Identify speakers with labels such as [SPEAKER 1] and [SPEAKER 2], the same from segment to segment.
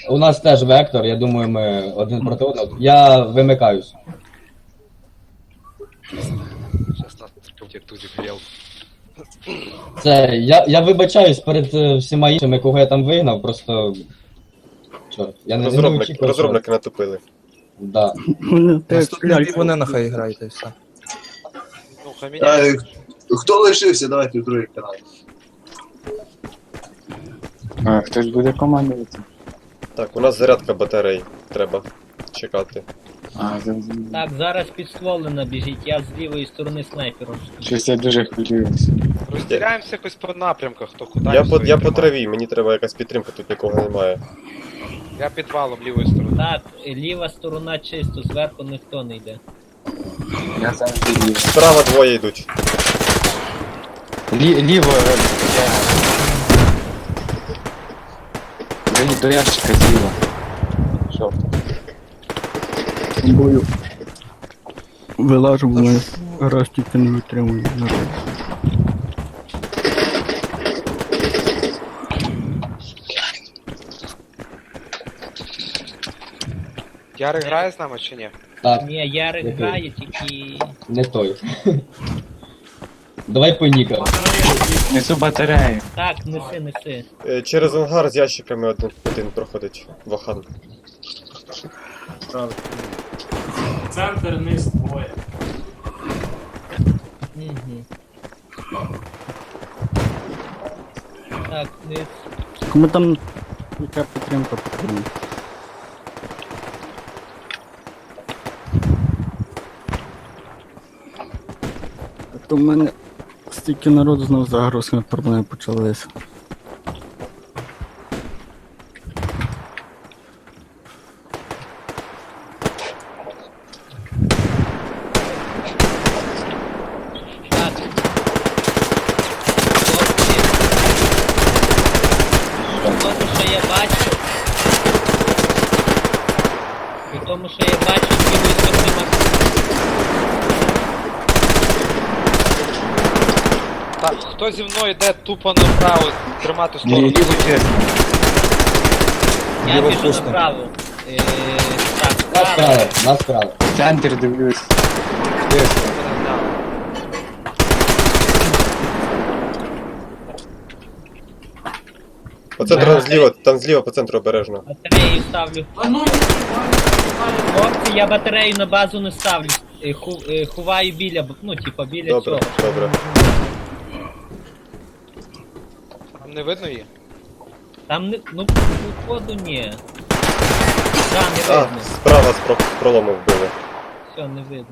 [SPEAKER 1] У нас теж вектор, я думаю, ми один проти одного. Я вимикаюсь.
[SPEAKER 2] Сейчас нас как тузик грел.
[SPEAKER 1] Це, я вибачаюсь перед всіма іншими, кого я там вигнав, просто... Чорт, я не очікував, що...
[SPEAKER 3] Розробники натупили.
[SPEAKER 1] Да.
[SPEAKER 4] Наступний бій вони нехай грають і все.
[SPEAKER 2] Ну, хаменя.
[SPEAKER 5] Хто лишився, давайте в другий канал.
[SPEAKER 6] А, хтось буде командувати.
[SPEAKER 3] Так, у нас зарядка батарей. Треба чекати.
[SPEAKER 6] А, зрозуміло.
[SPEAKER 7] Так, зараз підстволена біжить, я з лівої сторони снайпером.
[SPEAKER 6] Щось я дуже хвилююся.
[SPEAKER 2] Розділяємося якось по напрямках, хто куди.
[SPEAKER 3] Я
[SPEAKER 2] всі
[SPEAKER 3] по
[SPEAKER 2] тримає.
[SPEAKER 3] траві, мені треба якась підтримка, тут нікого немає.
[SPEAKER 2] Я підвалом лівої сторони.
[SPEAKER 7] Так, ліва сторона чисто, зверху ніхто не йде.
[SPEAKER 6] Я завжди ліво.
[SPEAKER 3] Справа двоє йдуть.
[SPEAKER 6] Ліво, до ящика зліва. Що?
[SPEAKER 4] Бою. Вилажу, мене раз тільки не витримую.
[SPEAKER 2] Ярик грає з нами чи ні?
[SPEAKER 1] Так,
[SPEAKER 7] Ні, Ярик
[SPEAKER 1] Який?
[SPEAKER 7] грає, тільки...
[SPEAKER 1] не той. Давай по нікам.
[SPEAKER 6] Несу батарею.
[SPEAKER 7] Так, неси.
[SPEAKER 3] Через ангар з ящиками один проходить. Вахан.
[SPEAKER 8] Центр, низ, двоє.
[SPEAKER 7] Угу. Так, низ.
[SPEAKER 4] Кому там яка підтримка потрібна? А то в мене стільки народу знов загрузками проблеми почалися.
[SPEAKER 7] Так. Тому що я бачу. І тому що я бачу, з лівої сторони
[SPEAKER 2] Так, хто зі мною йде тупо направо, тримати сторону.
[SPEAKER 6] Ліво чесно.
[SPEAKER 7] я біжу направо. Так,
[SPEAKER 1] Нас
[SPEAKER 7] справа.
[SPEAKER 1] крали, нас крали.
[SPEAKER 6] Центр дивлюсь.
[SPEAKER 3] По центру зліва, там зліва по центру обережно.
[SPEAKER 7] Батарею ставлю.
[SPEAKER 8] А ну,
[SPEAKER 7] Хлопці, я батарею на базу не ставлю. Ховаю біля, ну, типа біля
[SPEAKER 3] Добре,
[SPEAKER 7] цього.
[SPEAKER 3] добре.
[SPEAKER 2] Там не видно її?
[SPEAKER 7] Там не, ну, походу ні. Да, не
[SPEAKER 3] А,
[SPEAKER 7] видно.
[SPEAKER 3] справа з пролому вбили.
[SPEAKER 7] Все, не видно.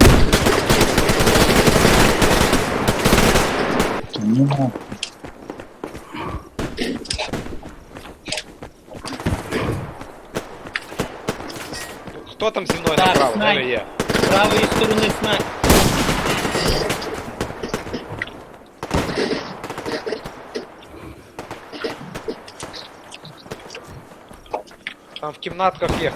[SPEAKER 6] Ну, да.
[SPEAKER 2] Хто там зі мною
[SPEAKER 7] Так,
[SPEAKER 2] направо? Де
[SPEAKER 7] снайп.
[SPEAKER 2] ви є?
[SPEAKER 7] З правої сторони снайп.
[SPEAKER 2] Там в кімнатках є.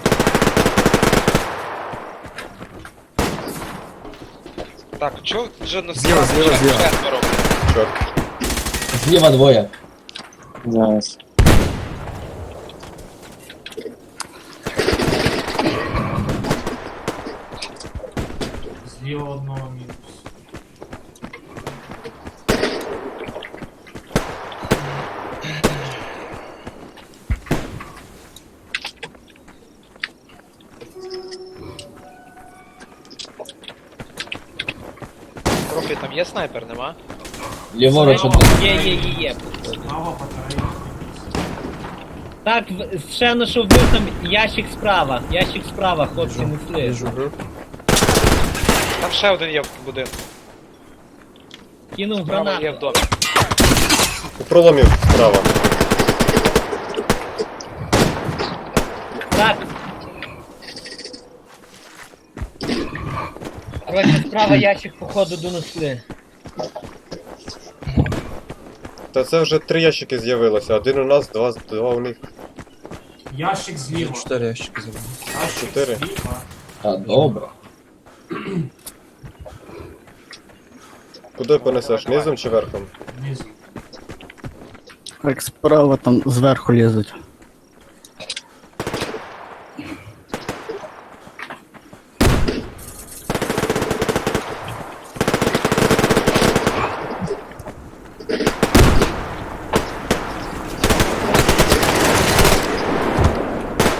[SPEAKER 2] Так, чо вже на
[SPEAKER 4] Зліва.
[SPEAKER 2] четверо?
[SPEAKER 3] Чорт.
[SPEAKER 1] Зліва двоє.
[SPEAKER 6] Зараз.
[SPEAKER 8] зліва одного мінус.
[SPEAKER 2] Профі, там є снайпер, нема?
[SPEAKER 1] Ліворуч один.
[SPEAKER 7] Є.
[SPEAKER 8] Справа батарея.
[SPEAKER 7] Так, ще на що вбив там ящик справа. Ящик справа, хлопці, несли.
[SPEAKER 2] Там ще один є в будинку.
[SPEAKER 7] Кинув
[SPEAKER 2] Справа є в
[SPEAKER 7] гранату.
[SPEAKER 2] домі.
[SPEAKER 3] У проломі справа.
[SPEAKER 7] Так. Короче, справа ящик, походу, донесли.
[SPEAKER 3] Та це вже 3 ящики з'явилося. Один у нас, два у них.
[SPEAKER 8] Ящик зліва.
[SPEAKER 4] 4 ящики забрали.
[SPEAKER 8] Ящик
[SPEAKER 3] 4.
[SPEAKER 8] зліва.
[SPEAKER 1] А, добре.
[SPEAKER 3] Куди понесеш? Низом чи верхом?
[SPEAKER 8] Внизу.
[SPEAKER 4] Так справа там зверху лізуть.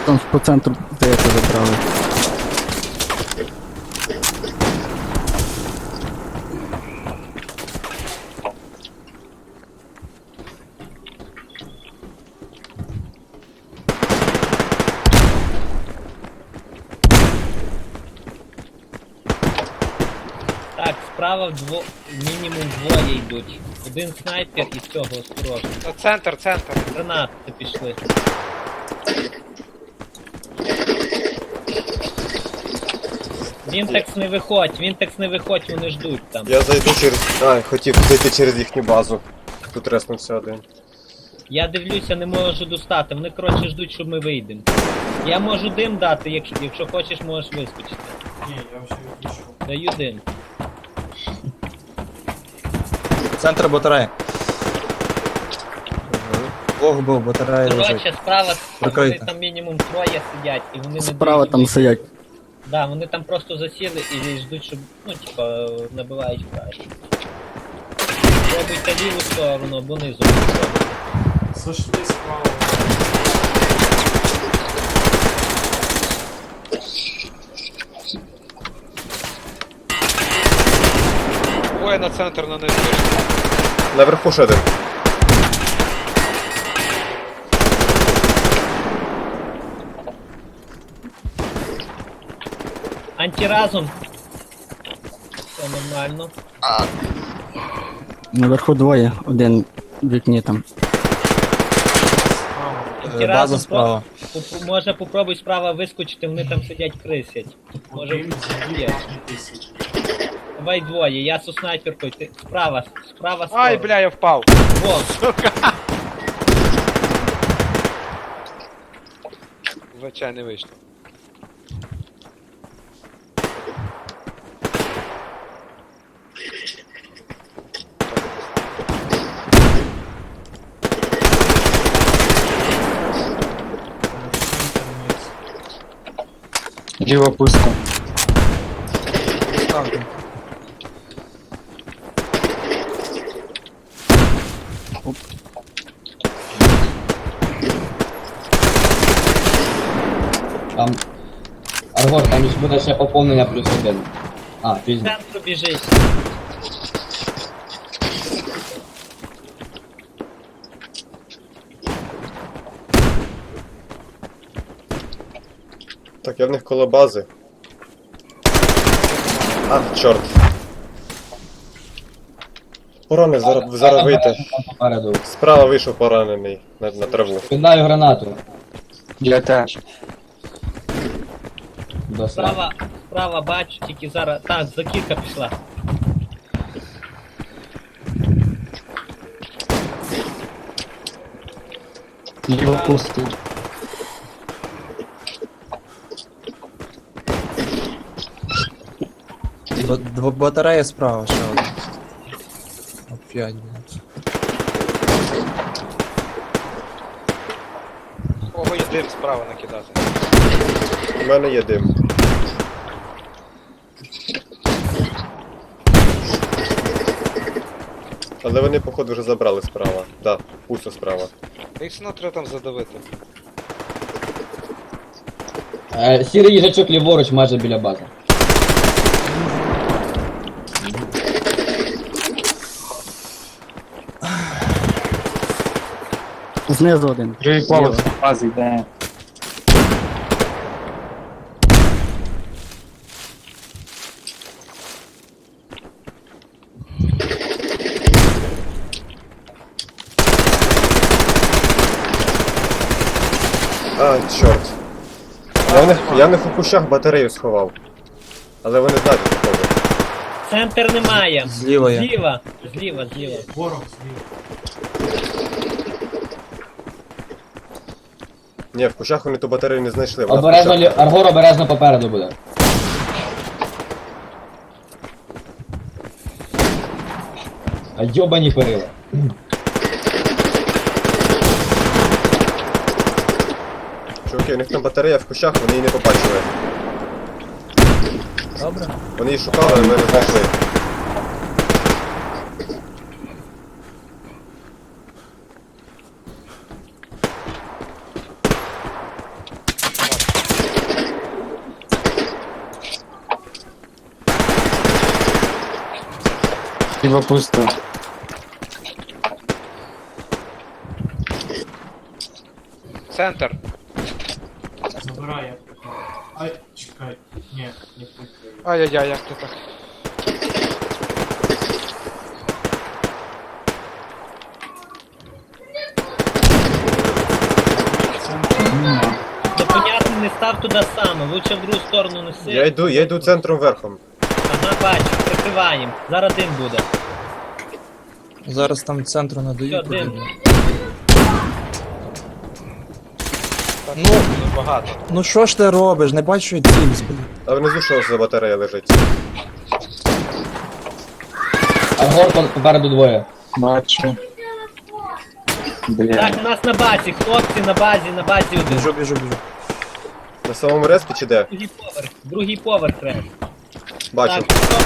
[SPEAKER 4] Там по центру, здається, забрали.
[SPEAKER 7] Так, справа мінімум двоє йдуть. Один снайпер і цього осторожно.
[SPEAKER 2] Центр, центр.
[SPEAKER 7] Гранати пішли. Вінтекс не виходь, вони ждуть там.
[SPEAKER 3] Я зайду через. А, хотів зайти через їхню базу. Тут реснувся один.
[SPEAKER 7] Я дивлюся, не можу достати. Вони, коротше, ждуть, щоб ми вийдемо. Я можу дим дати, якщо хочеш, можеш вискочити.
[SPEAKER 8] Ні, я вже відійшов.
[SPEAKER 7] Даю дим.
[SPEAKER 9] Центр батареї. Бог був, батарея лежить.
[SPEAKER 7] Коротше, справа вони
[SPEAKER 9] Прикрийте.
[SPEAKER 7] там мінімум троє сидять, і вони не
[SPEAKER 4] Справа
[SPEAKER 7] дають
[SPEAKER 4] там
[SPEAKER 7] вийти.
[SPEAKER 4] сидять.
[SPEAKER 7] Да, вони там просто засіли і ждуть, щоб, ну, типа, набивають краще. Пробуйте ліву сторону або низу.
[SPEAKER 8] Зайшли справа.
[SPEAKER 2] Двоє на центр на низ вийшли.
[SPEAKER 3] Наверху ще один.
[SPEAKER 7] Антиразум. Все нормально.
[SPEAKER 4] Наверху двоє, один в вікні там.
[SPEAKER 8] Справа.
[SPEAKER 9] База справа.
[SPEAKER 7] Може попробуй справа вискочити, вони там сидять крисять. Може
[SPEAKER 8] Один зліва
[SPEAKER 7] є.
[SPEAKER 8] і тисяч.
[SPEAKER 7] Давай двоє, я со снайперкою, ти справа
[SPEAKER 2] Ай,
[SPEAKER 7] справа.
[SPEAKER 2] бля, я впав.
[SPEAKER 7] Во,
[SPEAKER 2] Звичайно, не вийшло.
[SPEAKER 8] Центр низ.
[SPEAKER 6] Ліва пусто.
[SPEAKER 1] Там. Аргор, там ж буде ще поповнення плюс один. А,
[SPEAKER 7] в
[SPEAKER 1] пізно.
[SPEAKER 7] центру біжить.
[SPEAKER 3] Так, я в них коло бази. А, чорт. Поранений, зараз вийти.
[SPEAKER 1] Там попереду.
[SPEAKER 3] Справа вийшов поранений на траву.
[SPEAKER 1] Кидаю гранату.
[SPEAKER 6] Я теж.
[SPEAKER 1] До справа.
[SPEAKER 7] Справа бачу, тільки зараз. Так, закидка пішла.
[SPEAKER 6] Ліва пусто.
[SPEAKER 9] Батарея справа ще один. Опять, блядь.
[SPEAKER 2] Кого є дим справа накидати?
[SPEAKER 3] У мене є дим. Але вони, походу, вже забрали справа. Так, пусто справа.
[SPEAKER 2] Їх все одно треба там задавити.
[SPEAKER 1] Сірий їжачок ліворуч майже біля бази.
[SPEAKER 4] Знизу один.
[SPEAKER 6] Другий поверх бази йде.
[SPEAKER 3] А, чорт. Я в них у кущах батарею сховав. Але вони знають, походу.
[SPEAKER 7] Центр немає.
[SPEAKER 9] Зліва є.
[SPEAKER 7] Зліва.
[SPEAKER 8] Ворог зліва.
[SPEAKER 3] Ні, в кущах вони ту батарею не знайшли. Вона в
[SPEAKER 1] Обережно,
[SPEAKER 3] кущах.
[SPEAKER 1] Аргор обережно попереду буде. А йобані перила.
[SPEAKER 3] Чуваки, у них там батарея в кущах, вони її не побачили.
[SPEAKER 9] Добре.
[SPEAKER 3] Вони її шукали, але ми не знайшли.
[SPEAKER 6] Ліво пусто.
[SPEAKER 2] Центр.
[SPEAKER 8] Забирай, я прикрию. Ай, чекай. Ні, не прикрию.
[SPEAKER 2] Ай-яй-яй, як ти так?
[SPEAKER 7] Непонятно, не став туди саме, лучше в другу сторону неси.
[SPEAKER 3] Я йду центром верхом.
[SPEAKER 7] Ага, бачу, прикриваємо. Зараз дим буде.
[SPEAKER 9] Зараз там центру не
[SPEAKER 7] Все,
[SPEAKER 9] дають.
[SPEAKER 7] дим.
[SPEAKER 9] потрібно.
[SPEAKER 2] Ну, багато.
[SPEAKER 9] Ну що ж ти робиш? Не бачу, що я цілюсь, блін.
[SPEAKER 3] А внизу що за батарея лежить?
[SPEAKER 1] А гор попереду двоє.
[SPEAKER 6] Бачу. Бля.
[SPEAKER 7] Так, у нас на базі, хлопці на базі один.
[SPEAKER 9] Біжу.
[SPEAKER 3] На самому респі чи де?
[SPEAKER 7] Другий поверх треба.
[SPEAKER 3] Бачу.
[SPEAKER 7] Так, стоп.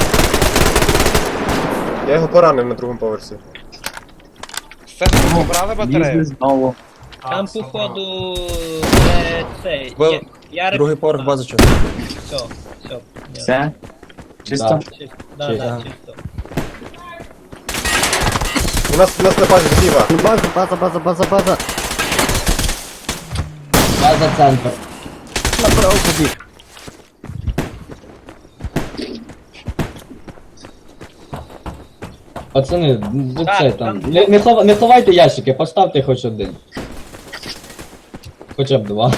[SPEAKER 3] Я його поранив на другому поверсі.
[SPEAKER 2] З центру побрали батарею?
[SPEAKER 6] Лізли знову.
[SPEAKER 7] Там
[SPEAKER 8] забрав.
[SPEAKER 7] походу цей.
[SPEAKER 9] Бо-
[SPEAKER 7] Ярик.
[SPEAKER 9] Другий поверх бази чи.
[SPEAKER 7] Все, все.
[SPEAKER 6] Все? Чисто?
[SPEAKER 1] Да.
[SPEAKER 7] Да,
[SPEAKER 1] Чисто.
[SPEAKER 7] да, чисто.
[SPEAKER 3] У нас на базі зліва.
[SPEAKER 4] Ну, база.
[SPEAKER 1] База центр.
[SPEAKER 4] Направо побіг.
[SPEAKER 1] Пацани, ну
[SPEAKER 7] Так,
[SPEAKER 1] це там.
[SPEAKER 7] там-
[SPEAKER 1] Не ховайте ящики, поставте хоч один. Хоча б два.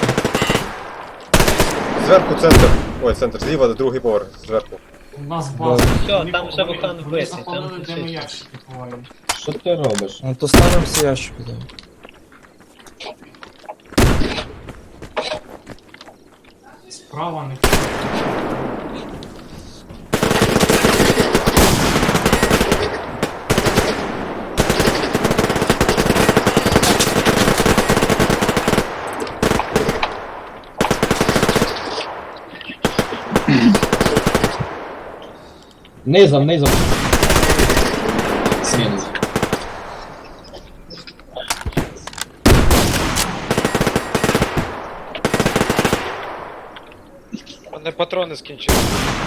[SPEAKER 3] Зверху центр. Ой, центр зліва, другий поверх. Зверху.
[SPEAKER 8] У нас база.
[SPEAKER 7] Всьо,
[SPEAKER 8] Вони
[SPEAKER 7] там вже
[SPEAKER 8] вони-
[SPEAKER 7] вулкан
[SPEAKER 8] вони
[SPEAKER 7] вбитий,
[SPEAKER 8] заходили,
[SPEAKER 7] там
[SPEAKER 8] де ми
[SPEAKER 7] чисто.
[SPEAKER 8] ящики ховаємо.
[SPEAKER 1] Що ти робиш?
[SPEAKER 9] Ну то ставимо всі ящики. Да.
[SPEAKER 8] Справа не
[SPEAKER 1] Низом. Мінус.
[SPEAKER 2] У мене патрони скінчилися.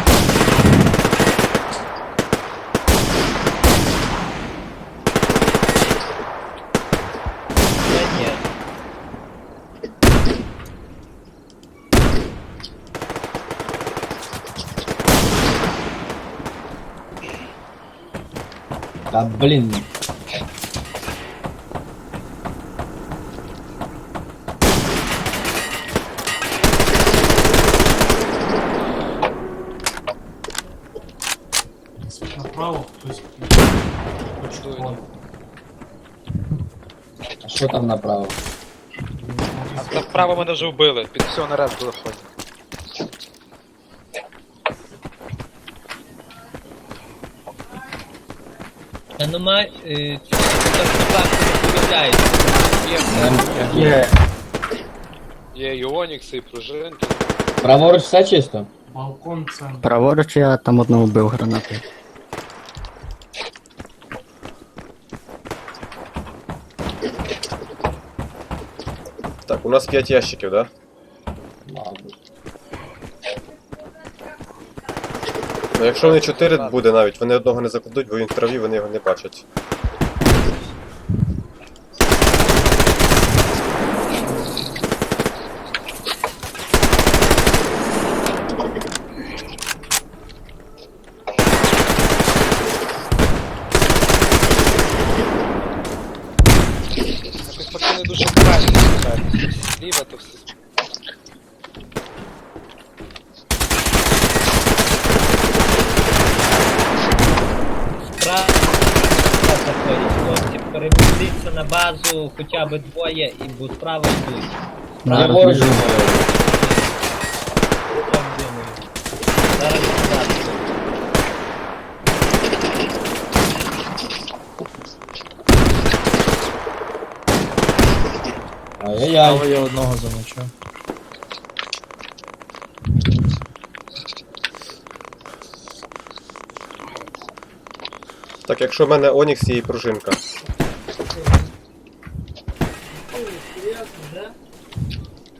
[SPEAKER 7] Та ні.
[SPEAKER 1] Та блін.
[SPEAKER 8] направо, хтось
[SPEAKER 2] Дуй.
[SPEAKER 8] понял.
[SPEAKER 1] А що там направо?
[SPEAKER 2] А там вправо мене вже вбили. Під всього наряд виходить.
[SPEAKER 7] Та нема цього факту не повідомляють.
[SPEAKER 2] Є,
[SPEAKER 6] Є.
[SPEAKER 2] є і Онікси, і пружинки.
[SPEAKER 1] Праворуч все чисто?
[SPEAKER 8] Балкон центр.
[SPEAKER 4] Праворуч я там одного вбив гранатою.
[SPEAKER 3] Так, у нас 5 ящиків, да?
[SPEAKER 1] Мабуть.
[SPEAKER 3] Ну якщо вони 4 буде навіть, вони одного не закладуть, бо він в траві, вони його не бачать.
[SPEAKER 2] Якось пацани дуже правильно стріляють. Зліва то все.
[SPEAKER 7] Справа заходять хлопці. Перемістіться на базу хоча б двоє і бо справа йдуть.
[SPEAKER 1] Праворуч.
[SPEAKER 7] Так думаю. Зараз базу.
[SPEAKER 1] Ай-яй-яй.
[SPEAKER 9] Але я одного замочив.
[SPEAKER 3] Так, якщо в мене Онікс і пружинка.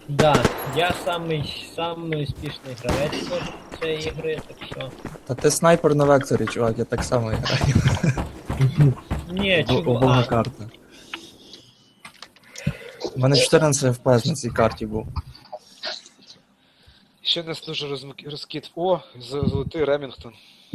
[SPEAKER 7] Да, я самий успішний гравець цієї ігри, так що.
[SPEAKER 9] Та ти снайпер на векторі, чувак, я так само граю.
[SPEAKER 7] Ні,
[SPEAKER 9] Обога
[SPEAKER 7] чувак.
[SPEAKER 9] карта. У мене 14 FPS на цій карті був.
[SPEAKER 2] Ще нас дуже розкид. О, золотий Ремінгтон.